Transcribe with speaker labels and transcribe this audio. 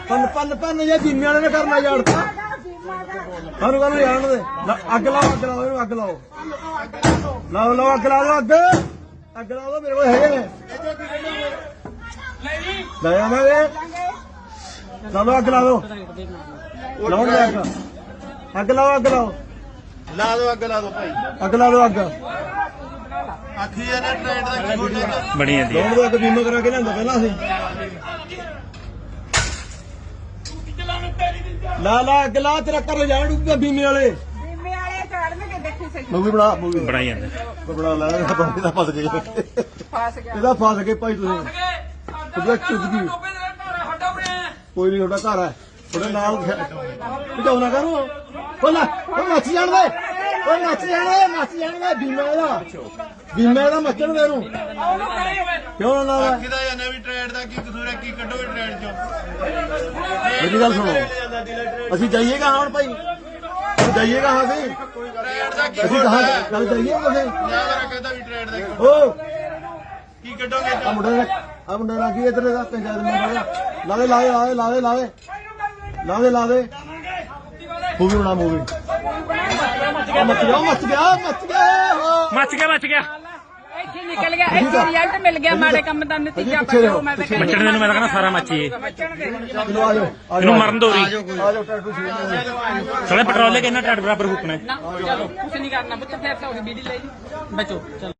Speaker 1: ਪੰਨ ਜੇ ਬੀਮੇ ਵਾਲੇ ਨੇ ਕਰਨਾ ਯਾਰਤਾ ਸਾਨੂੰ ਕਹਿੰਦੇ ਜਾਣ ਦੇ ਅੱਗ ਲਾਓ ਇਹਨੂੰ ਅੱਗ ਲਾਓ ਅੱਗ ਲਾ ਦੋ ਅੱਗ ਲਾ ਦੋ ਮੇਰੇ ਕੋਲ ਹੈਗੇ ਨੇ ਲੈ ਆਵਾਂਗੇ ਚਲੋ ਅੱਗ ਲਾ ਦੋ ਲਾਉਣਗੇ ਅੱਗ ਲਾਓ
Speaker 2: ਲਾ ਦੋ ਅੱਗ ਲਾ ਦੋ ਭਾਈ
Speaker 1: ਅੱਗ ਲਾ ਦੋ ਅੱਗ
Speaker 2: ਆਖੀ ਇਹਨੇ ਟ੍ਰੇਡ ਦਾ ਕੀ ਹੋਣਾ
Speaker 3: ਬਣੀ ਜਾਂਦੀ
Speaker 1: ਲਾਉਣ ਦੋ ਅੱਗ ਬੀਮਾ ਕਰਾ ਕੇ ਲਿਆਂਦਾ ਪਹਿਲਾਂ ਅਸੀਂ ਲਾ ਅੱਗ ਲਾ ਤੇਰਾ ਘਰ ਜਾਣ ਡੂਗਾ ਬੀਮੇ ਵਾਲੇ ਮੂਵੀ
Speaker 3: ਬਣਾਈ ਜਾਂਦੇ
Speaker 1: ਬਣਾ ਲੈ ਇਹਦਾ ਫਸ ਗਏ ਇਹਦਾ ਫਸ ਗਏ ਭਾਈ ਤੁਸੀਂ ਉਹਦਾ ਚੁੱਕ ਗਈ ਕੋਈ ਨਹੀਂ ਤੁਹਾਡਾ ਘਰ ਹੈ ਤੁਹਾਡੇ ਨਾਲ ਭਜਾਉਣਾ ਕਰੋ ਉਹ ਨੱਚ ਜਾਣ ਦੇ ਨੱਚ ਜਾਣਗੇ ਬੀਮੇ ਦਾ ਮੱਚਣ ਦੇ ਇਹਨੂੰ ਕਿਉਂ ਨਾ
Speaker 2: ਕਿਦਾ ਜਾਂ ਨਵੀਂ ਟ੍ਰੇਡ ਦਾ ਕੀ ਕਸੂਰ ਹੈ ਕੀ ਕੱਢੋਗੇ ਟ੍ਰੇਡ ਚੋਂ
Speaker 1: ਮੇਰੀ ਗੱਲ ਸੁਣੋ ਅਸੀਂ ਜਾਈਏਗਾ ਹੁਣ ਭਾਈ ਜਾਈਏਗਾ ਹਾਂ ਅਸੀਂ
Speaker 2: ਟ੍ਰੇਡ ਦਾ ਕੀ
Speaker 1: ਅਸੀਂ ਕਹਾਂ ਗੱਲ ਜਾਈਏ ਤੁਸੀਂ
Speaker 2: ਯਾਰ ਕਹਿੰਦਾ ਵੀ ਟ੍ਰੇਡ ਦਾ
Speaker 1: ਓ
Speaker 2: ਕੀ ਕੱਢੋਗੇ
Speaker 1: ਆ ਮੁੰਡੇ ਨਾਲ ਕੀ ਇੱਧਰ ਦਾ ਪੰਚਾਇਤ ਮੈਂਬਰ ਲਾ ਦੇ ਮੂਵੀ ਬਣਾ ਮੂਵੀ ਮੱਚ ਗਿਆ
Speaker 4: ਇੱਥੇ ਨਿਕਲ ਗਿਆ ਇੱਥੇ ਰਿਜ਼ਲਟ ਮਿਲ ਗਿਆ ਮਾੜੇ ਕੰਮ ਦਾ ਨਤੀਜਾ ਪਾਓ ਮੈਂ ਤਾਂ
Speaker 3: ਮੱਚਣ ਦੇ ਨੂੰ ਮੈਂ ਤਾਂ ਕਹਿੰਦਾ ਸਾਰਾ ਮੱਚੀਏ
Speaker 1: ਚਲੋ ਆਜੋ
Speaker 3: ਇਹਨੂੰ ਮਰਨ ਦੋ ਰਹੀ
Speaker 1: ਆਜੋ ਟੈਟੂ ਸੀ
Speaker 3: ਸਾਲੇ ਪੈਟਰੋਲ ਲੈ ਕੇ ਇਹਨਾਂ ਟੱਟ ਬਰਾਬਰ ਫੁੱਕਣਾ
Speaker 4: ਨਾ ਚਲੋ ਕੁਛ ਨਹੀਂ ਕਰਨਾ ਬੱਚਾ ਫਿਰ ਤਾਂ ਉਹਦੀ ਬੀੜੀ ਲੈ ਜੀ ਬਚੋ ਚਲੋ